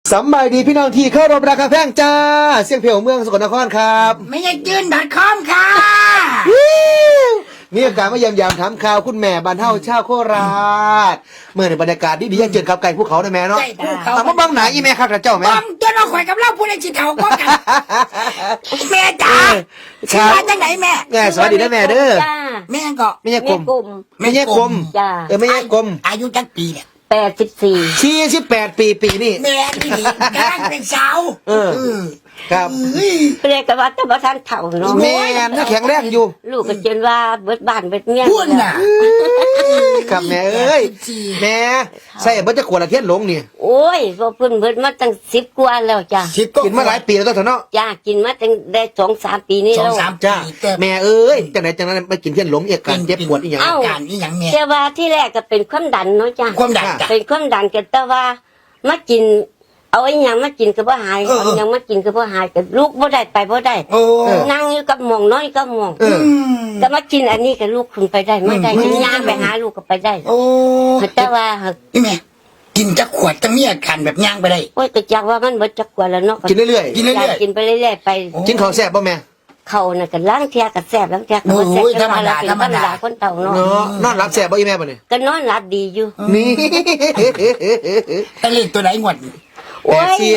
สำบายดีพี่น้องที่เข้ารบราคาแพงจ้าเสียงเพลงเมืองสกลนครครับไม่ใช่จืน.com ค่ะมีโอกาสมาเยี่ยมยามถามข่าวคุณแม่บ้านเฮาชาวโคราชเมื่อในบรรยากาศดีๆยังเจอกับไก่ภูเขาได้แม่เนาะใช่ภูเขาเอามาบังไหนอีแม่ครับเจ้าแม่บังจนเราข่อยกับเราพูดในจิตเถาก็กันแม่จ๋าคชื่อรับมาจากไหนแม่แม่สวัสดีนะแม่เด้อจ้าแม่ก็ไม่ใช่กลมแม่กลุ่มไม่ใช่กลมจ้าไม่ใช่กลมอายุจักปีเนี่ย 84 48ปีนี่แม่นี่กำลังเป็นสาวเออ ครับเฮ้ยเปรียกว่าแต่บ่ทันเฒ่าเนาะแม่น่าแข็งแรงอยู่ลูกก็จนว่าเบิดบ้านเบิดเมียพูดน่ะครับแม่เอ้ยแม่ใส่เบิดจะขวดละเทียนหลงนี่โอ้ยบ่เพิ่นเบิดมาตั้ง10กว่าแล้วจ้าสิบก็กินมาหลายปีแล้วตัวเถอะเนาะจ้ากินมาตั้งได้2-3 ปีนี้สองแล้วสามจ้าปีแต่แม่เอ้ยจังไหนจังนั้นไปกินเทียนหลงเอกการเจ็บปวดอีหยังอาการนี่อย่างแม่แต่ว่าที่แรกก็เป็นความดันเนาะจ้าความดันจ้ะเป็นความดันกันแต่ว่ามากินเอาอีหยังมากินก็บ่หายเออเอาอีหยังมากินก็บ่หายก็ลูกบ่ได้ไปบ่ได้โอ้นั่งอยู่กับหม่องนอนอยู่กับหม่องเออก็มากินอันนี้กับลูกคุณไปได้ไม่ได้ย่างไปหาลูกก็ไปได้โอ้แต่ว่านี่แม่กินจักขวดจังมีอาการแบบย่างไปได้โอ้ยก็จักว่ามันเบิดจักกว่าแล้วเนาะกินเรื่อยกินเรื่อยๆกินไปเรื่อยๆไปๆกินของแซ่บป่ะแม่เขาน่ะก็ล้างเทียกับแซ่บล้างเทียกับบ่แซ่บโอ้ยแต่ว่าเรธรรมดาเป็นคนเต่าเนาะเนาะนอนรับแซ่บป่ะอีแม่ป่ะเนี่ยก็นอนหลับดีอยู่นี่แต่เลขตัวไหนงวดโอ้ย 84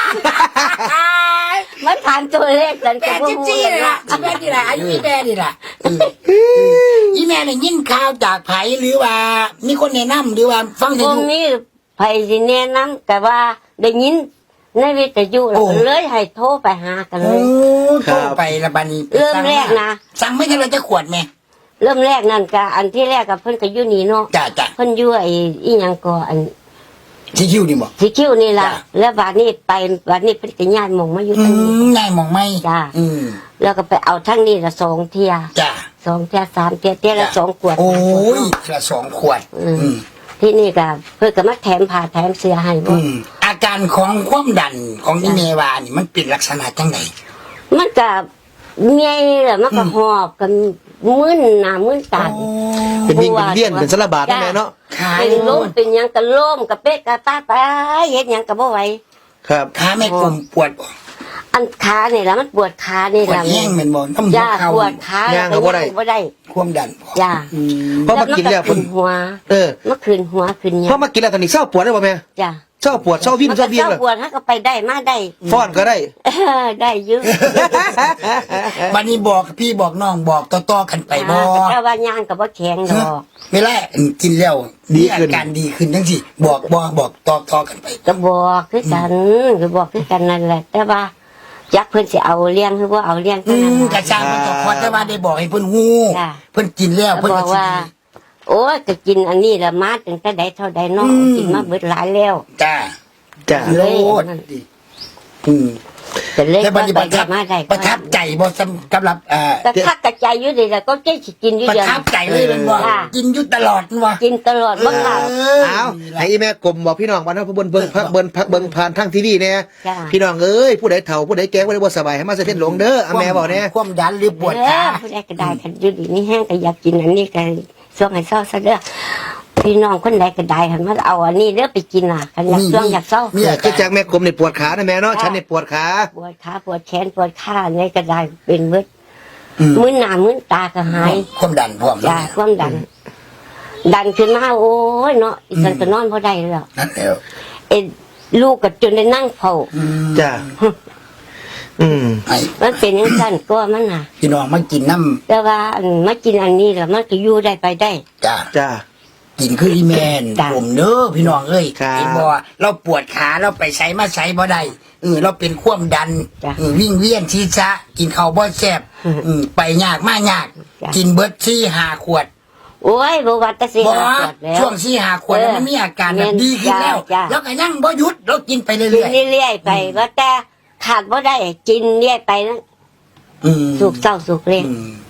มันผ่านตัวเลขกันแปก็ดบ่สิบฮู้สี่กันเลยล่ะเนาะอีแม่นี่แหละอายุอีแม่นี่แหละอีแม่เนี่ยยินข่าวจากไผหรือว่ามีคนแนะนำหรือว่าฟังวที่งดูนี้ไผสิแนะนำแต่ว่าได้ยินในวิทยุแล้วก็เลยให้โทรไปหากันเลโอ้ยโทรไปละบัดนี้เริ่มแรกนะสั่งไม่ใช่เราจะขวดแม่เริ่มแรกนั่นก็อันที่แรกกับเพิ่นก็อยู่นี่เนาะจ้าจ้าเพิ่นอยู่ไอ้อีหยังก็อันที่คิวนี่บอกสีคิ้วนี่ล่ะจ้ะแล้วบาดนี้ไปบาดนี้เพิ่นก็ย้ายหม่องมาอยู่ทางนี้นายมองไม่จ้าอืมแล้วก็ไปเอาทั้งนี้ละ2 เที่ยจ้า 2 เที่ย3 เที่ยเที่ยละ2 ขวดโอ้ยละสองขวด อืมที่นี่ก็เพิ่นก็มาแถมผ้าแถมเสื้อให้บ่อาการของความดันของอีเมวานี่มันเป็นลักษณะจังไหนมันก็เมียแล้วมันก็หอบกันมึนหน้ามึนตาเป็นวิ่งเป็นเวียนเป็นสารบาดนะแม่เนาะขาเป็นลมเป็นหยังก็ล้มก็เป๊ะก็ตาไปเฮ็ดหยังก็บ่ไหวครับขาแม่กลมปวดบ่อันขานี่ล่ะมันปวดขานี่ปวดล่ะแห้งเหมือนบ่น้ำหัวจ้าเข่าปวดขาย่างก็บ่ได้บ่ได้ความดันจ้าเพราะมากินแล้วมัขึ้นหัวเออเมื่อคืนหัวคืนหยัเพราะมากินแล้วตอนนี้เศร้าปวดได้ป่ะแม่จ้าเศร้าปวดเศร้าวิ่งมันเศก็ร้าเบี้ยเศร้าเลยปวดฮะก็ไปได้มาได้ฟ้อนก็ได้ได้เยอะวันนี้บอกพี่บอกน้องบอกต่อๆกันไปบ่แต่ว่าย่างกับว่าแข็งดอกเวลากินแล้วมีอาการดีขึ้นทั้งสิบอกต่อกันไปก็บอกคือกันก็บอกคือกันนั่นแหละ แต่ว่าจักเพิ่นสิเอาเลี้ยงคือว่าเอาเลี้ยงอืเท่านั้นมล่ะกระชากมันก็พอแต่ว่าได้บอกให้เพิ่นฮู้จ้ะเพิ่นกินแล้วก็เพิ่นบก็อกสิว่า โอ้ยก็กินอันนี้ละมาตั้งแต่ใดเท่าใดเนาะกินมาเบิดหลายแล้วจ้าจ้ะโลดอืมแต่เล็กแต่บัดนี้ไปประทับมาได้ประทับใจบ่สำหรับแต่คักกระจายอยู่ดีแล้วก็เจ๊สิกินอยู่ประเดียวทับใจเลยแมันบ่จ้ะกินอยู่ตลอดแม่นบ่กินตลอดบ่ขาดเอาให้อีแม่กลมบอกพี่น้องวันนั้นพระเบิ่งผ่านทางทีวีเนี่ยจ้ะพี่น้องเอ้ยผู้ใดเฒ่าผู้ใดแก่ผู้ใดบ่สบายให้มาเสถียรหลงเด้ออาแม่บอกเนี่ยความดันหรือปวดขาผู้ใดก็ได้กันอยู่ดีนี่แห้งก็อยากกินอันนี้ก็ช่วงให้เศร้าซะเด้อพี่น้องคนใดก็ได้คันมาเอาอันนี้เด้อไปกินน่ะคันอยากช่วงอยากเศร้ามีอาคืกาอจากรแม่กลมนี่ปวดขานะแม่เนาะฉันนี่ปวดขาปวดขาปวดแขนปวดขาในก็ได้เป็นเบิดอืมมื้อหน้ามื้อตาก็หายความดันพร้อมแล้วจ้าความดัน ดันขึ้นมาโอ้ยเนาะอีสันก็นอนบ่ได้แล้วนั่นแล้วเอ็ดลูกก็จนได้นั่งเฝ้าจ้ะอืมไอ้มันเป็นจังซั่นก็มันน่ะพี่น้องมากินน้แต่ว่าอันมากินอันนี้แล้วมันก็อยู่ได้ไปได้ำจ้าจ้ะกินคืออีแมนจ้ะผมเด้อพี่น้องเอ้ยครับเห็นบ่เราปวดขาเราไปใช้มาใช้บ่ได้เราเป็นความดันจ้ะวิ่งเวียนชีชะกินข้าวบ่แซ่บไปยากมายากจ้ะกินเบิด4-5 ขวดโอ้ยบ่ว่าแต่สิบ่หาปวดแล้วช่วง4-5 ขวดแล้วมันมีอาการแบบดีขึ้นแล้วจ้ะแล้วก็ยังบ่หยุดเรากินไปเรื่กินอยเรื่อยๆไปว่าแต่ขาดบ่ได้กินเรื่อยไปนะๆอืมสุกเศร้าสุกเล่นอืม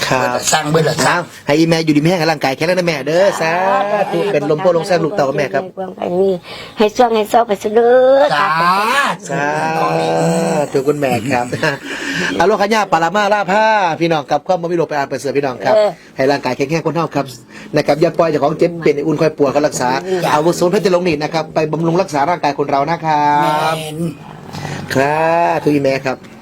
ครับสร้างเบิดละสร้างให้อีแม่อยู่ดีมีแห้งร่างกายแข็งแรงนะแม่เด้อสาธุเป็นลมโพลงแซ่บลูกเต่ากับแม่ครับให้ช่วงให้เศร้าไปซะเด้อจ้าสาธุคุณแม่ครับอโลคัญญาปารามาลาผ้าพี่น้องกับความบ่มีโรคไปอ่านเปิดเสือพี่น้องครับให้ร่างกายแข็งแรงคนเท่าครับนะครับอย่าปล่อยเจ้าของเจ็บเป็นอุ่นคอยปวดก็รักษาอาวุธศูนย์เพชรลงนิดนะครับไปบำรุงรักษาร่างกายคนเรานะครับแม่นครับทุกอีแม่ครับ